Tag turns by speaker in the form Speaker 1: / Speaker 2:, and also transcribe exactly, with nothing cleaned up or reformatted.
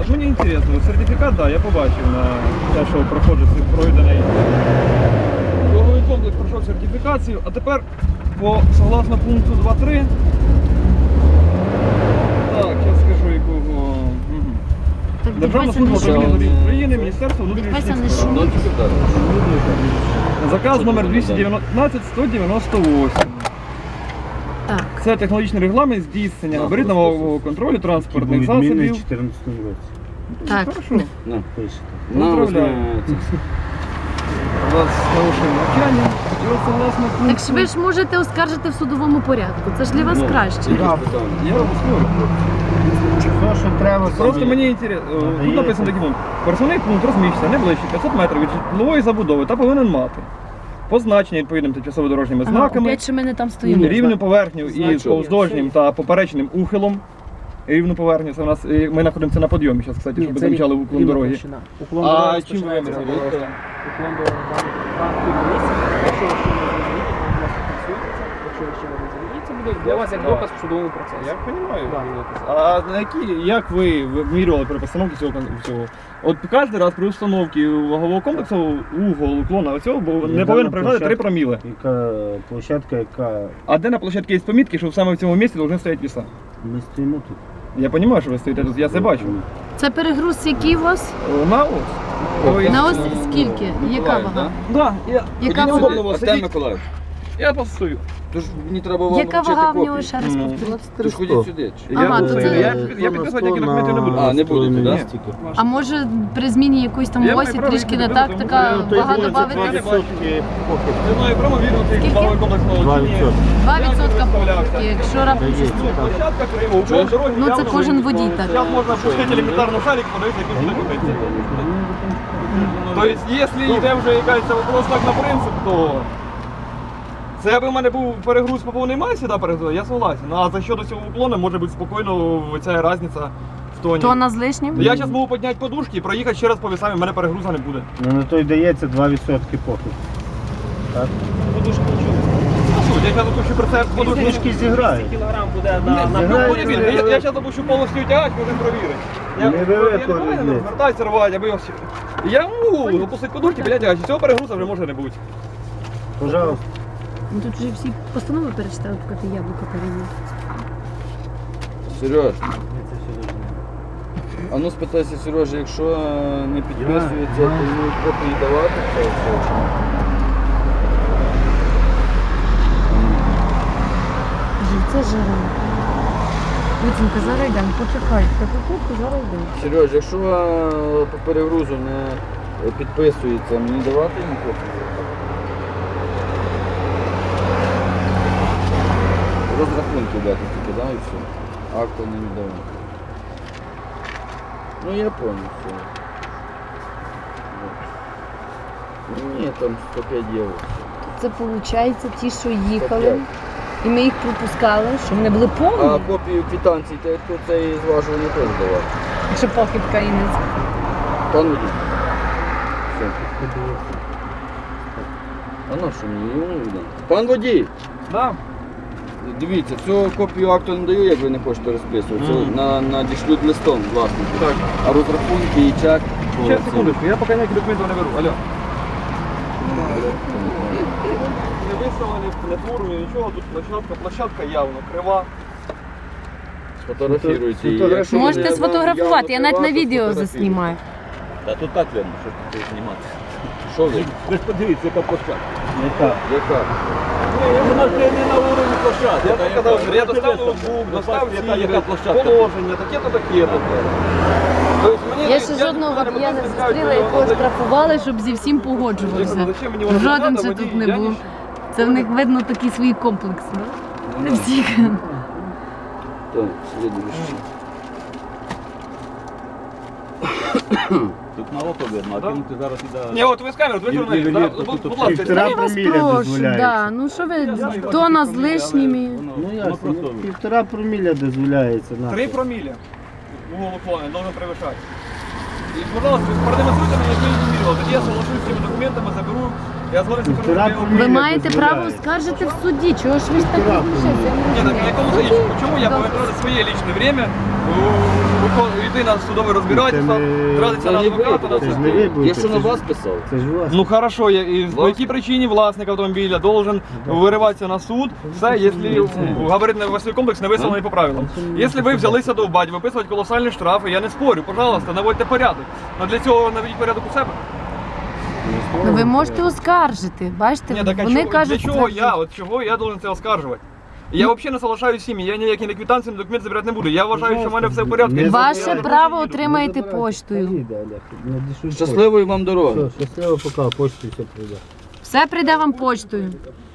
Speaker 1: от мені цікаво, сертифікат, да, я побачив на те, що проходить пройдений ваговий комплекс, пройшов сертифікацію, а тепер по согласно пункту два три. Так, зараз скажу якого. Угу. Державна служба управління доріг України, Міністерство внутрішніх справ. Заказ номер двісті дев'ятнадцять сто дев'яносто вісім.
Speaker 2: Так.
Speaker 1: Це технологічний регламент здійснення габаритно-вагового контролю транспортних засобів.
Speaker 3: в чотирнадцятому році.
Speaker 2: Так.
Speaker 1: Хорошо.
Speaker 3: На, пишете.
Speaker 1: Поздравляю. У вас хороше навчання. І от согласно пункту...
Speaker 2: Так ж ви ж можете оскаржити в судовому порядку. Це ж для вас
Speaker 3: Ну,
Speaker 2: краще.
Speaker 1: Я обов'язково.
Speaker 3: Все, що треба,
Speaker 1: Просто мені інтересно, тут написано такий пункт. Пересувний пункт розміщується не ближче п'ятсот метрів від житлової забудови та повинен мати позначення відповідним тимчасово-дорожніми
Speaker 2: Ага,
Speaker 1: знаками,
Speaker 2: опять, що ми не там стоїмо.
Speaker 1: рівну поверхню із повздовжнім та поперечним ухилом. Рівну поверхню, це у нас, і ми знаходимося на підйомі зараз, кстати, щоб ви замічали уклон дороги.
Speaker 4: Уклон
Speaker 1: А
Speaker 4: дороги
Speaker 1: чим ви
Speaker 4: розпочинається
Speaker 1: виміряли?
Speaker 4: від, е, Уклон дороги там півмісяця. Якщо ви ще не зрозумієте, ви у нас фіксуєтеся. Якщо ви ще не зрозумієте, це буде для вас як доказ в судовому процесі.
Speaker 1: Я розумію.
Speaker 4: Да.
Speaker 1: А на які, як ви вимірювали при постановці цього, цього? От кожен раз при установці вагового комплексу угол уклона оцього бо не повинен перевищувати три проміли.
Speaker 3: Яка площадка, яка...
Speaker 1: А де на площадці є помітки, що саме в цьому місці повинні стояти віса?
Speaker 3: Ми стоїмо тут.
Speaker 1: Я розумію, що ви стоїте тут, я це бачу.
Speaker 2: Це перегруз, який у вас?
Speaker 1: На ось. Ой,
Speaker 2: На ось скільки? Яка вага?
Speaker 1: Да, я,
Speaker 2: Яка
Speaker 1: мені
Speaker 2: вага?
Speaker 1: удобно було
Speaker 5: Артем
Speaker 1: сидіти.
Speaker 5: Миколаївич,
Speaker 1: Я просто стою.
Speaker 5: тож мені треба вам
Speaker 2: Яка
Speaker 5: вручити
Speaker 2: вага в нього
Speaker 5: копію.
Speaker 2: ще раз
Speaker 1: Ну.
Speaker 2: повторіть?
Speaker 5: Тож ходіть сюди.
Speaker 1: Я,
Speaker 2: Ага,
Speaker 1: буду-
Speaker 2: то це-
Speaker 1: я, я підписувати ніякі документи не буду.
Speaker 5: А, не будете, да?
Speaker 2: А може при зміні якоїсь там
Speaker 1: Я
Speaker 2: осі
Speaker 1: маю право
Speaker 2: трішки
Speaker 1: їх
Speaker 2: не
Speaker 1: додати,
Speaker 2: так,
Speaker 1: тому
Speaker 2: така
Speaker 1: що
Speaker 3: Той
Speaker 2: вага
Speaker 3: буде
Speaker 2: додати?
Speaker 3: два відсотки похід.
Speaker 1: Я знаю, прямо відео цей
Speaker 2: Скільки?
Speaker 1: ваговий комплекс
Speaker 3: Два
Speaker 1: молодчині.
Speaker 3: відсотки.
Speaker 2: два
Speaker 1: Я
Speaker 2: відсотка
Speaker 1: представлявся.
Speaker 2: похибки, якщо раптом щось.
Speaker 3: Дається, так.
Speaker 1: Площадка криво, уклон дороги
Speaker 2: Ну, це
Speaker 1: явно
Speaker 2: кожен
Speaker 1: виїзд.
Speaker 2: водій так.
Speaker 1: Зараз можна пустити елементарну шарик, подивитися, який буде купити. Тобто, якщо йде вже якась вопрос так на принцип, то це аби в мене був перегруз по повній масі, да, перегруз, я согласен. Ну, а за що до цього уклону може бути спокійно ця різниця в тоні.
Speaker 2: Тона з лишнім?
Speaker 1: Я зараз можу підняти подушки і проїхати ще раз по весам, і в мене перегруза не буде.
Speaker 3: Ну на той дається два відсотки похід. Так?
Speaker 1: Подушки нічого. Я зараз допущу про це подушки.
Speaker 3: Подушки зіграють.
Speaker 4: Кілограм буде на, на
Speaker 1: Ну,
Speaker 3: Зіграють,
Speaker 1: буде більше. Я, я зараз допущу повністю тягач, можемо перевірити. Я,
Speaker 3: Невелико
Speaker 1: я не повинен
Speaker 3: різниця.
Speaker 1: звертатися рвати, аби ось. Я можу опустити подушки, біля тягач. Цього перегруза вже може не бути.
Speaker 3: Пожалуйста.
Speaker 2: Ну, тут вже всі постанови перечитали, поки ти яблуко перевів.
Speaker 5: Сереж, а ну спитайся, Сережа, якщо не підписується, то йому копії давати? Це все чи ні?
Speaker 2: Це жара. Витінка, зараз йдемо, почекай. Таку куртку зараз йдемо.
Speaker 5: Сереж, якщо е, по перегрузу не підписується, мені давати йому копію? Розрахунки дати тільки, да, і все. Акту не віддавати. Ну я понял, все. Ну, ні, там сто п'ять євро.
Speaker 2: Це виходить ті, що їхали, і ми їх пропускали, що вони були
Speaker 5: А
Speaker 2: повні.
Speaker 5: копію квитанції, то хто це зважування теж давати?
Speaker 2: Якщо похибка і не це.
Speaker 5: Пан водій. Все. А на що мені йому віддати? Пан водій!
Speaker 1: Да.
Speaker 5: Дивіться, цю копію акту не даю, як ви не хочете розписувати.
Speaker 1: Мгм.
Speaker 5: На, надішлють листом, власне.
Speaker 1: Так.
Speaker 5: А розрахунки і чек.
Speaker 1: Ще секундочку, я поки ніякі документи не беру. Алло. Не виставлені, не твору, нічого, тут площадка, площадка явно крива.
Speaker 5: Сфотографіруйте її.
Speaker 3: Фотограф-
Speaker 5: Якщо
Speaker 2: Можете
Speaker 5: вони
Speaker 2: сфотографувати, я
Speaker 5: явно
Speaker 2: навіть на
Speaker 5: крива, то
Speaker 2: відео
Speaker 5: сфотографіруйте.
Speaker 2: заснімаю.
Speaker 6: Та тут так видно, що тут знімати.
Speaker 5: Що ви?
Speaker 6: Ви ж подивіться, яка площадка.
Speaker 3: Яка?
Speaker 5: Яка?
Speaker 6: Вона ж не на уровні площадки.
Speaker 1: Я
Speaker 6: Та
Speaker 1: так
Speaker 6: яка-
Speaker 1: казав, я достав
Speaker 6: Ти
Speaker 1: ноутбук, достав
Speaker 6: яка-
Speaker 1: ці
Speaker 6: яка площадка.
Speaker 1: положення, таке-то, таке-то. Тобто мені-
Speaker 2: Я ще жодного водія не зустріла, якого штрафували, щоб зі всім погоджувався.
Speaker 1: Зачем мені воно
Speaker 2: Жоден
Speaker 1: надо,
Speaker 2: ще
Speaker 1: водій?
Speaker 2: тут не
Speaker 1: Я
Speaker 2: був.
Speaker 1: ніч-
Speaker 2: Це в них видно такі свої комплекси. да? Не всіх.
Speaker 5: Так, слідуючий.
Speaker 6: Тут на око видно, а
Speaker 1: Да.
Speaker 6: кинути зараз іде.
Speaker 1: Ні, от ви з камерою, ви
Speaker 3: Ні,
Speaker 1: журналіст,
Speaker 3: ні,
Speaker 1: да?
Speaker 3: ні,
Speaker 1: Будь
Speaker 3: тут
Speaker 1: будь ласка,
Speaker 3: півтора
Speaker 2: Я вас
Speaker 3: проміля
Speaker 2: прошу,
Speaker 3: дозволяється.
Speaker 2: да. Ну що ви,
Speaker 1: знаю,
Speaker 2: тона з
Speaker 1: проміля,
Speaker 2: лишніми.
Speaker 6: Воно,
Speaker 3: Ну
Speaker 6: воно
Speaker 3: ясно,
Speaker 6: просто.
Speaker 3: півтора проміля дозволяється. на.
Speaker 1: Три проміля. Угол уклона должен превышать. И, пожалуйста, продемонструйте мне, я не мірила. Тоді я соглашусь з цими документами, заберу. Я з вами
Speaker 3: Півтора
Speaker 1: скажу,
Speaker 3: проміля.
Speaker 2: Ви маєте право
Speaker 3: дозволяється.
Speaker 2: скаржити в суді. Чого ж ви ж так
Speaker 3: Півтора
Speaker 2: розмішаєте? Я не
Speaker 1: Ні, на
Speaker 2: розумію.
Speaker 1: якому
Speaker 2: Суді.
Speaker 1: заїжджу? Чому я
Speaker 2: Добре.
Speaker 1: повинен тратити своє лічне время, виконувати йти на судове розбирательство,
Speaker 3: Це не-
Speaker 1: тратиться на
Speaker 5: Це не ви,
Speaker 1: адвоката, на
Speaker 3: Це ж
Speaker 1: все.
Speaker 3: не ви
Speaker 5: Я
Speaker 3: будете.
Speaker 5: що на
Speaker 3: це ж-
Speaker 5: вас писав?
Speaker 3: Це ж у вас.
Speaker 1: Ну хорошо, я- і по
Speaker 5: Власне.
Speaker 1: якій причині власник автомобіля должен вириватися на суд, все, якщо габаритний весовий комплекс не виставлений по правилам. Якщо ви взялися довбати, виписувати колосальні штрафи, я не спорю, пожалуйста, наводьте порядок. Але для цього наведіть порядок у себе.
Speaker 2: Ну ви можете оскаржити, бачите,
Speaker 1: Ні, так а
Speaker 2: вони
Speaker 1: чого,
Speaker 2: кажуть,
Speaker 1: для чого
Speaker 2: це-
Speaker 1: я, от чого я должен це оскаржувати? Я взагалі не залишаю сім'ї, я ніякі не квитанції, не документи забирати не буду. Я вважаю, що в мене все в порядку.
Speaker 3: Не
Speaker 1: Я
Speaker 2: Ваше
Speaker 1: не
Speaker 2: право
Speaker 1: їду.
Speaker 2: отримаєте поштою.
Speaker 3: Поїде, Олег. Надішлють
Speaker 5: Щасливої вам
Speaker 3: пошту.
Speaker 5: дороги.
Speaker 3: Все, щасливо, пока, почту все прийде.
Speaker 2: Все прийде вам поштою.